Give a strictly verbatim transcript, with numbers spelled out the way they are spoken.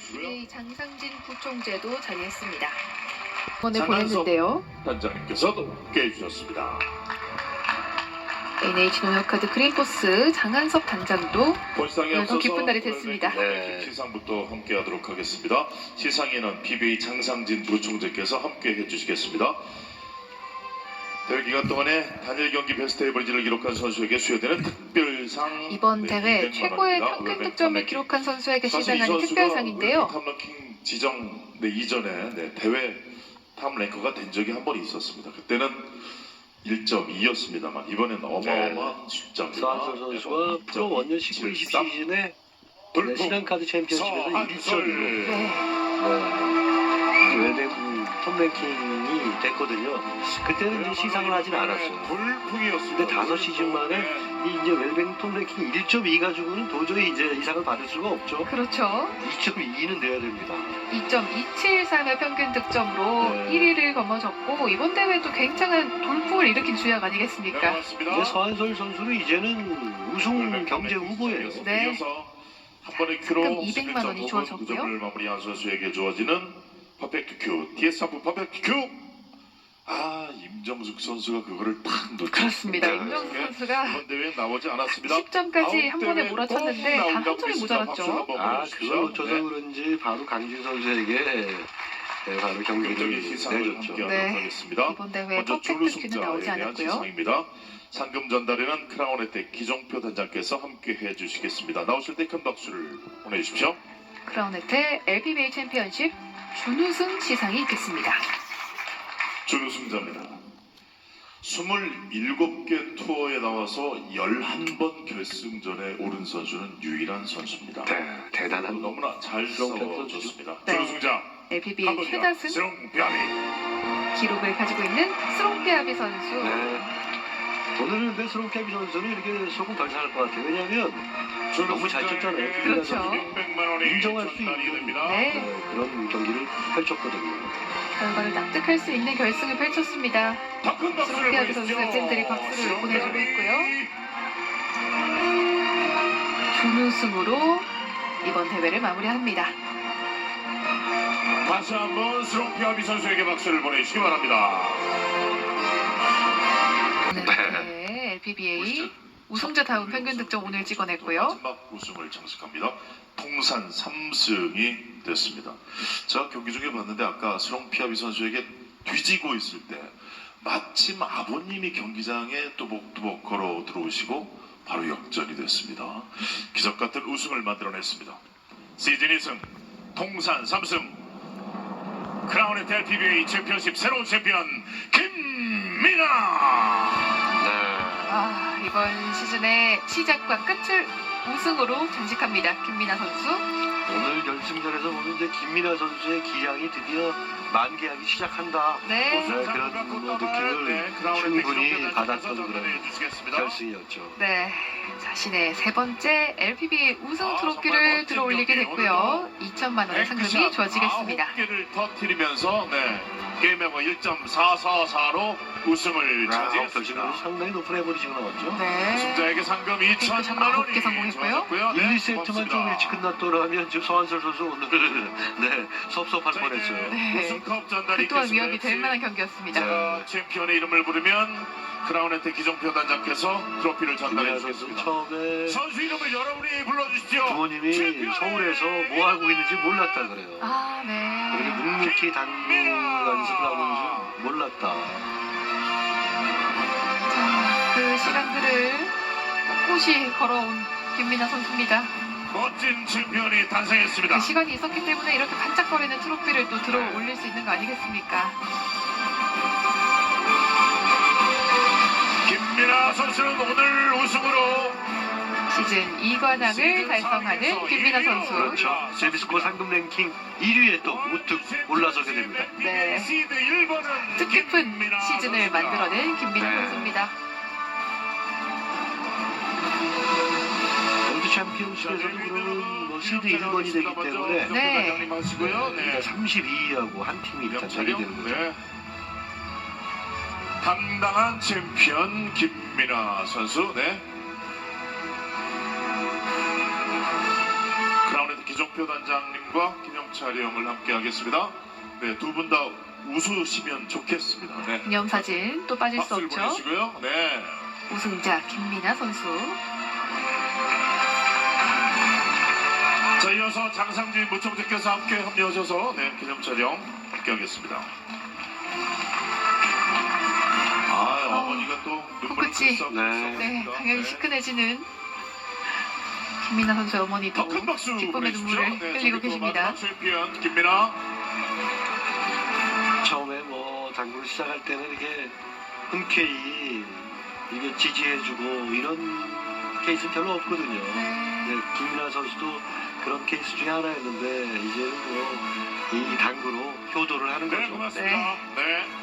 이 장상진 부총재도 자리했습니다. 번에 보냈는데요. 단장님께서도 함께 해주셨습니다. 엔에이치농협카드 그린포스 장한섭 단장도 본상에 오늘 더 앞서서 기쁜 날이 됐습니다. 네. 시상부터 함께하도록 하겠습니다. 시상에는 피비에이 장상진 부총재께서 함께 해주시겠습니다. 대회 기간 동안에 단일 경기 베스트 에버리지를 기록한 선수에게 수여되는 특별상. 이번 네, 대회 이백만 최고의 원입니다. 평균 웰뱅 득점을 탑랭킹. 기록한 선수에게 사실 이 시상하는 선수가 특별상인데요. 웰뱅 탑랭킹 지정 네, 이전에 네, 대회 탑랭커가 된 적이 한 번 있었습니다. 그때는 일 점 이였습니다만 이번엔 어마어마한 숫자입니다. 서한솔 선수가 프로 원년 십구 이십 시즌에 네, 신한카드 챔피언십에서 일 점 일로 네. 네, 웰뱅 톱랭킹이 됐거든요. 그때는 이제 시상을 하진 않았어요. 돌풍이었습니다. 근데 다섯 시즌 만에 이 이제 웰뱅 톱랭킹 일 점 이 가지고는 도저히 이제 이상을 받을 수가 없죠. 그렇죠. 이 점 이는 돼야 됩니다. 이 점 이칠삼의 평균 득점으로 네. 일 위를 거머졌고 이번 대회도 굉장한 돌풍을 일으킨 주역 아니겠습니까? 이제 서한솔 선수는 이제는 우승 경제 후보예요. 네. 한 번의 큐로 상금 이백만 원이 주어졌고요. 두 점을 마무리한 선수에게 주어지는 퍼펙트 큐, 디에스 하프 퍼펙트 큐. 아, 임정숙 선수가 그거를 딱 놓쳤습니다. 그렇습니다. 네. 임정숙 선수가 이번 대회에 나오지 않았습니다. 십 점까지 한 번에 아웃 몰아쳤는데 대회 단 꼭 한 점이 나온다고 모자랐죠. 한번 아, 보여주십시오. 그걸 놓쳐서 네. 그런지 바로 강진 선수에게 네, 바로 경기를 경기 시상을 내줬죠. 함께하도록 네. 하겠습니다. 이번 대회 먼저 퍼펙트 큐는 준우승자에 나오지 대한 않았고요. 시상입니다. 상금 전달에는 크라운 혜택 기종표 단장께서 함께 해주시겠습니다. 나오실 때 큰 박수를 보내주십시오. 크라운 혜택 엘피비에이 챔피언십 준우승 시상이 있겠습니다. 준우승자입니다. 스물일곱 개 투어에 나와서 열한 번 결승전에 오른 선수는 유일한 선수입니다. 네, 대단한 너무나 잘 싸워줬습니다. 네. 준우승자 엘피비에이 최다승 스롱비아비. 기록을 가지고 있는 스롱피아비 선수. 네. 오늘은 근데 스롱캐비 선수는 이렇게 조금 덜 상할 것 같아요. 왜냐하면 너무 잘 쳤잖아요. 그렇죠. 이백만 원이 인정할 수 전달이 있는 됩니다. 네. 네, 그런 경기를 펼쳤거든요. 결과를 납득할 수 있는 결승을 펼쳤습니다. 더큰 박수를 스롱피아비 보내주십시오. 선수의 팬들이 박수를 스롱비아비. 보내주고 있고요. 준우승으로 이번 대회를 마무리합니다. 다시 한번 스롱피아비 선수에게 박수를 보내주시기 바랍니다. 네, 엘피비에이 우승자다운 평균 득점 오늘 찍어냈고요. 마지막 우승을 장식합니다. 통산 삼 승이 됐습니다. 제가 경기 중에 봤는데 아까 스롱피아비 선수에게 뒤지고 있을 때 마침 아버님이 경기장에 또복또복 걸어 들어오시고 바로 역전이 됐습니다. 기적 같은 우승을 만들어냈습니다. 시즌 이 승, 통산 삼 승, 크라운 혜택 엘피비에이 챔피언십 새로운 챔피언 김민아. 아, 이번 시즌의 시작과 끝을 우승으로 장식합니다. 김민아 선수. 오늘 결승전에서 보면 이제 김민아 선수의 기량이 드디어 만개하기 시작한다. 네. 네, 그런 뭐 느낌을 충분히 받았던 그런 결승이었죠. 네, 자신의 세 번째 엘피비에이 우승 트로피를 들어올리게 됐고요. 이천만 원의 상금이 주어지겠습니다. 아홉 개를 터뜨리면서 네, 게임 멤버 일 점 사사사로 우승을 아, 결승으로 차지했습니다. 상당히 높은 에버리지가 나왔죠. 네. 우승자에게 상금 이천만 아홉 원이 개 성공했고요. 주어졌고요. 일, 네, 이 세트만 좀 고맙습니다. 일찍 끝났더라면 지금 서한솔 선수 오늘 네, 섭섭할 자, 뻔했어요. 네. 우승컵 전달이 그 또한 있겠습니다. 위협이 될 만한 경기였습니다. 자, 챔피언의 이름을 부르면 크라운 혜택 기종표 단장께서 트로피를 전달해 김민아 선수 주겠습니다. 처음에 선수 이름을 여러분이 불러주십시오. 부모님이 챔피언의 서울에서 뭐 하고 있는지 몰랐다 그래요. 아, 네. 그렇게 묵묵히 단무 연습을 하고 있는지 몰랐다. 자, 그 시간들을 꿋꿋이 걸어온 김민아 선수입니다. 멋진 챔피언이 탄생했습니다. 그 시간이 있었기 때문에 이렇게 반짝거리는 트로피를 또 들어 올릴 수 있는 거 아니겠습니까? 김민아 선수는 오늘 우승으로 시즌 이 관왕을 달성하는 김민아 선수. 그렇죠. 제비스코 상금 랭킹 일 위에 또 우뚝 올라서게 됩니다. 네. 시드 일 번은 뜻깊은 시즌을 만들어낸 김민아 네. 선수입니다. 월드 챔피언십에서도 그러면 뭐 시드 일 번이 되기 때문에 네. 그러니까 삼십이 위하고 한 팀이 일단 되게 되는 거죠. 네. 당당한 챔피언 김민아 선수. 네. 크라운 혜택 주정표 단장님과 김영철 형을 함께 하겠습니다. 네, 두 분 다 웃으시면 좋겠습니다. 네. 기념사진 또 빠질 수 박수를 없죠. 보내시고요. 네. 우승자 김민아 선수. 자, 이어서 장상진 무청대께서 함께 합류하셔서 네, 기념 촬영 함께 하겠습니다. 아, 어, 어머니가 또 눈물을 코끝이. 글썽 네. 네, 당연히 시큰해지는 김민아 선수의 어머니도 더큰 박수 기쁨의 보내주십시오. 눈물을 네, 흘리고 저기 또 계십니다. 마지막 챔피언 김민아. 처음에 뭐 당구를 시작할 때는 이게 흔쾌히 이게 지지해주고 이런 케이스는 별로 없거든요. 네. 네, 김민아 선수도 그런 케이스 중에 하나였는데 이제는 뭐 이 당구로 효도를 하는 네, 거죠. 고맙습니다. 네.